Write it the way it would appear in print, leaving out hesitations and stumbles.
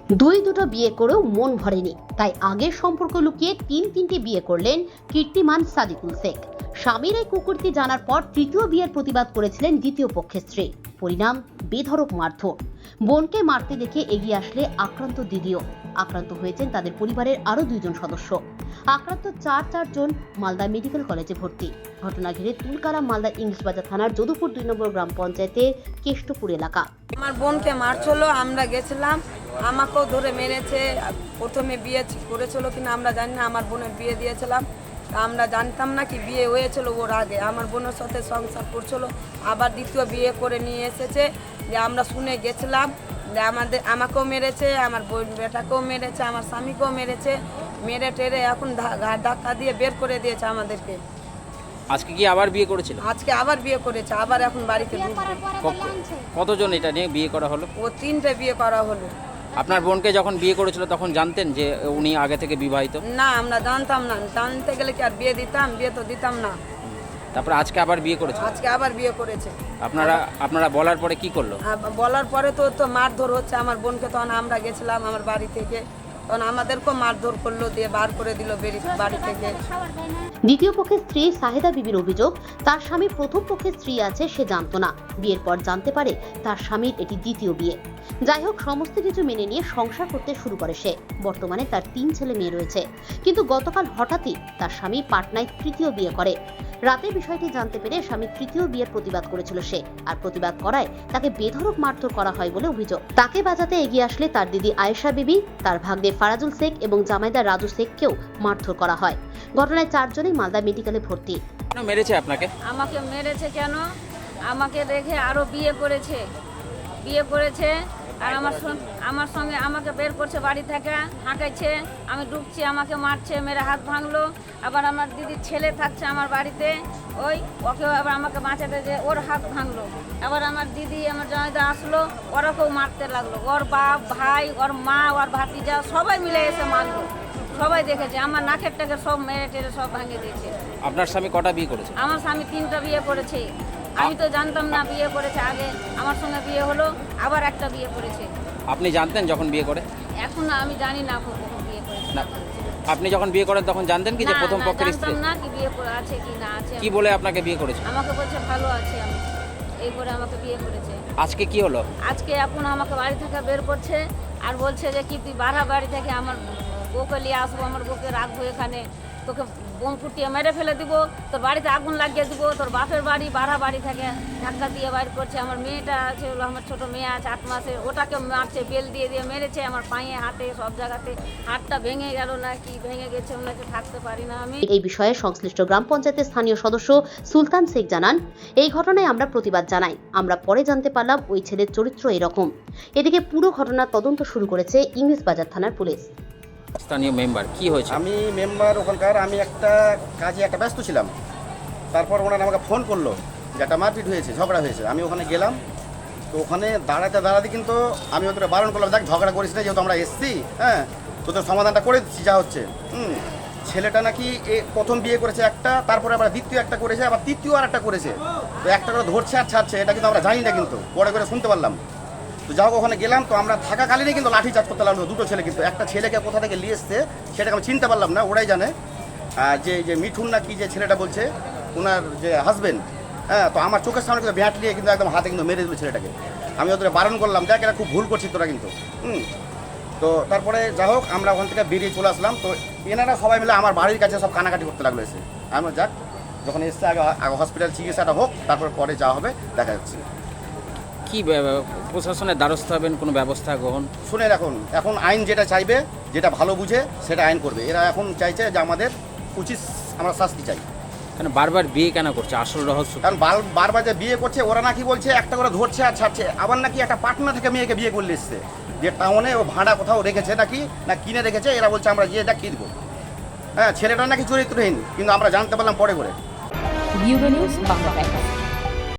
দুটো বিয়ে করেও মন ভরেনি, তাই আগের সম্পর্ক লুকিয়ে তিনটে বিয়ে করলেন কীর্তিমান সাদিকুল শেখ। স্বামীর এই কুকীর্তি জানার পর তৃতীয় বিয়ের প্রতিবাদ করেছিলেন দ্বিতীয় পক্ষের স্ত্রী। পরিণাম বেধড়ক মারধর। বোনকে মারতে দেখে এগিয়ে আসলে আক্রান্ত দিদিও। আক্রান্ত হয়েছেন তাদের পরিবারের আরো 2 সদস্য। আক্রান্ত চারজন মালদা মেডিকেল কলেজে ভর্তি। ঘটনা ঘিরে তুলকালাম মালদা ইংলিশ বাজার থানার যদুপুর 2 নম্বর গ্রাম পঞ্চায়েতের কেষ্টপুর এলাকা। আমার বোনকে মারছিল, আমরা গেছিলাম, আমাকেও ধরে মেরেছে। প্রথমে বিয়ে করেছিল কিনা আমরা জানি না, আমার বোনের বিয়ে দিয়েছিলাম, আমরা জানতাম না কি বিয়ে হয়েছিল ওর আগে। আমার বোনের সাথে সংসার করছিল, আবার দ্বিতীয় বিয়ে করে নিয়ে এসেছে। যে আমরা শুনে গেছিলাম যে আমাকেও মেরেছে, আমার বোন বেটাকেও মেরেছে, আমার স্বামীকেও মেরেছে। মেরে টেরে এখন ঘাট ধাক্কা দিয়ে বের করে দিয়েছে আমাদেরকে। আজকে কি আবার বিয়ে করেছিল? আজকে আবার বিয়ে করেছে, আবার এখন বাড়িতে ঢুকবে। কতজন এটা নিয়ে বিয়ে করা হলো? ও 3টে বিয়ে করা হলো। আপনার বোনকে যখন বিয়ে করেছিল তখন জানতেন যে উনি আগে থেকে বিবাহিত? না, আমরা জানতাম না। জানতে গেলে কি আর বিয়ে দিতাম? বিয়ে তো দিতাম না। তারপরে আজকে আবার বিয়ে করেছে? আজকে আবার বিয়ে করেছে। আপনারা বলার পরে কি করলো? বলার পরে তো মারধর হচ্ছে আমার বোনকে। তখন আমরা গেছিলাম আমার বাড়ি থেকে, তখন আমাদেরকেও মারধর করলো, দিয়ে বার করে দিল বাড়ি থেকে। দ্বিতীয় পক্ষের স্ত্রী সাহেদা বিবির অভিযোগ, তার স্বামী প্রথম পক্ষের স্ত্রী আছে সে জানতো না। বিয়ের পর জানতে পারে তার স্বামীর এটি দ্বিতীয় বিয়ে। যাই হোক, সমস্ত কিছু মেনে নিয়ে সংসার করতে শুরু করে সে। বর্তমানে তার 3 ছেলে মেয়ে রয়েছে। কিন্তু গতকাল হঠাৎই তার স্বামী পাটনায় তৃতীয় বিয়ে করে। রাতে বিষয়টি জানতে পেরে স্বামী তৃতীয় বিয়ের প্রতিবাদ করেছিল সে, আর প্রতিবাদ করায় তাকে বেধড়ক মারধর করা হয় বলে অভিযোগ। তাকে বাঁচাতে এগিয়ে আসলে তার দিদি আয়েশা বিবি, তার ভাগ্নে ফারাজুল শেখ এবং জামাইদার রাজু শেখকেও মারধর করা হয়। ঘটনায় 4 জনই মালদা মেডিকেলে ভর্তি। কেন মেরেছে আপনাকে? আমাকে মেরেছে কেন? আমাকে রেখে আরো বিয়ে করেছে আর আমার সঙ্গে আমাকে বের করছে বাড়ি থেকে, হাঁকাইছে। আমি ঢুকছি, আমাকে মারছে, মেরে হাত ভাঙলো। আবার আমার দিদির ছেলে থাকছে আমার বাড়িতে, ওকেও আবার আমাকে বাঁচাতে যে ওর হাত ভাঙলো। আবার আমার দিদি, আমার জামাইদা আসলো, ওরাকেও মারতে লাগলো। ওর বাপ, ভাই, ওর মা, ওর ভাতিজা সবাই মিলে এসে মারলো। সবাই দেখেছে, আমার নাকের টাকে সব মেরে টেরে সব ভাঙে দিয়েছে। আপনার স্বামী কটা বিয়ে করেছে? আমার স্বামী 3টা বিয়ে করেছে। আমি তো জানতাম না বিয়ে করেছে। আগে আমার সঙ্গে বিয়ে হলো, আবার একটা বিয়ে করেছে। আপনি জানতেন যখন বিয়ে করে? এখন আমি জানি না কখন বিয়ে করেছে। না, আপনি যখন বিয়ে করেন তখন জানতেন কি যে প্রথম পক্ষের স্ত্রী? জানতাম না কি বিয়ে করে আছে কি না আছে। কি বলে আপনাকে বিয়ে করেছে? আমাকে বলছে ভালো আছে আমি, এই করে আমাকে বিয়ে করেছে। আজকে কি হলো? আজকে এখন আমাকে বাড়ি থেকে বের করছে আর বলছে যে কি তুই বাড়া বাড়ি থেকে আমার বউকে নিয়ে আসবো, আমার বউকে রাখবো এখানে, তোকে বোম ফুটিয়ে মেরে ফেলে দিব, তোর বাড়িতে আগুন লাগিয়ে দিব। তোর বাপের বাড়ি বাড়া বাড়ি থেকে ধাক্কা দিয়ে বাইর করছে। আমার মেয়েটা আছে, আমার ছোট মেয়ে আছে 8 মাসের, ওটাকে মারছে, বেল দিয়ে মেরেছে। আমার পায়ে, হাতে, সব জায়গাতে। হাতটা ভেঙে গেল না কি ভেঙে গেছে, ওনাকে থাকতে পারি না আমি। এই বিষয়ে সংশ্লিষ্ট গ্রাম পঞ্চায়েতের স্থানীয় সদস্য সুলতান শেখ জানান, এই ঘটনায় আমরা প্রতিবাদ জানাই। আমরা পরে জানতে পারলাম ওই ছেলের চরিত্র এরকম। এদিকে পুরো ঘটনার তদন্ত শুরু করেছে ইংলিশ বাজার থানার পুলিশ। স্থানীয় মেম্বার, কি হয়েছে? আমি মেম্বার ওখানকার, আমি একটা কাজে ব্যস্ত ছিলাম। তারপর ওনারা আমাকে ফোন করলো যে একটা মারপিট হয়েছে, ঝগড়া হয়েছে। আমি ওখানে গেলাম, তো ওখানে দাঁড়াতে কিন্তু আমি ওদের বারণ করলাম, দেখ ঝগড়া করিস না, যেহেতু আমরা এসছি, হ্যাঁ তোদের সমাধানটা করে দিচ্ছি যা হচ্ছে। ছেলেটা নাকি প্রথম বিয়ে করেছে একটা, তারপরে আবার দ্বিতীয় একটা করেছে, আবার তৃতীয় আর একটা করেছে। তো একটা করে ধরছে আর ছাড়ছে, এটা কিন্তু আমরা জানি না, কিন্তু পরে করে শুনতে পারলাম। তো যাও ওখানে গেলাম, তো আমরা থাকাকালীনই কিন্তু লাঠি চার্জ করতে লাগলো 2 ছেলে। কিন্তু একটা ছেলেকে কোথা থেকে নিয়ে এসছে সেটাকে আমি চিনতে পারলাম না, ওরাই জানে। যে মিঠুন না কি যে ছেলেটা বলছে, ওনার যে হাজবেন্ড, হ্যাঁ, তো আমার চোখের সামনে কিন্তু ব্যাট নিয়ে কিন্তু একদম হাতে কিন্তু মেরে দিল ছেলেটাকে। আমি ওদের বারণ করলাম, দেখ এটা খুব ভুল করছিস তোরা কিন্তু। তো তারপরে যা হোক আমরা ওখান থেকে বেরিয়ে চলে আসলাম। তো এনারা সবাই মিলে আমার বাড়ির কাছে সব কানাকাটি করতে লাগলো এসে। আমি যাক, যখন এসছে আগে হসপিটাল চিকিৎসাটা হোক, তারপর পরে যা হবে দেখা যাচ্ছে। কি প্রশাসনের দ্বারস্থ হবেন, কোনো ব্যবস্থা গ্রহণ? শুনে এখন আইন যেটা চাইবে, যেটা ভালো বুঝে সেটা আইন করবে। এরা এখন চাইছে যে আমাদের উচিত আমরা শাস্তি চাই। কেন বারবার বিয়ে কেন করছে, আসল রহস্য? কারণ বারবার যে বিয়ে করছে, ওরা নাকি বলছে একটা করে ধরছে আর ছাড়ছে। আবার নাকি একটা পাটনা থেকে মেয়েকে বিয়ে করলে এসছে, যে টাউনে ও ভাড়া কোথাও রেখেছে নাকি, না কিনে রেখেছে। এরা বলছে আমরা গিয়ে দেখিয়ে দেবো। হ্যাঁ, ছেলেটা নাকি চরিত্রহীন, কিন্তু আমরা জানতে পারলাম পরে করে। Bureau news Bangla.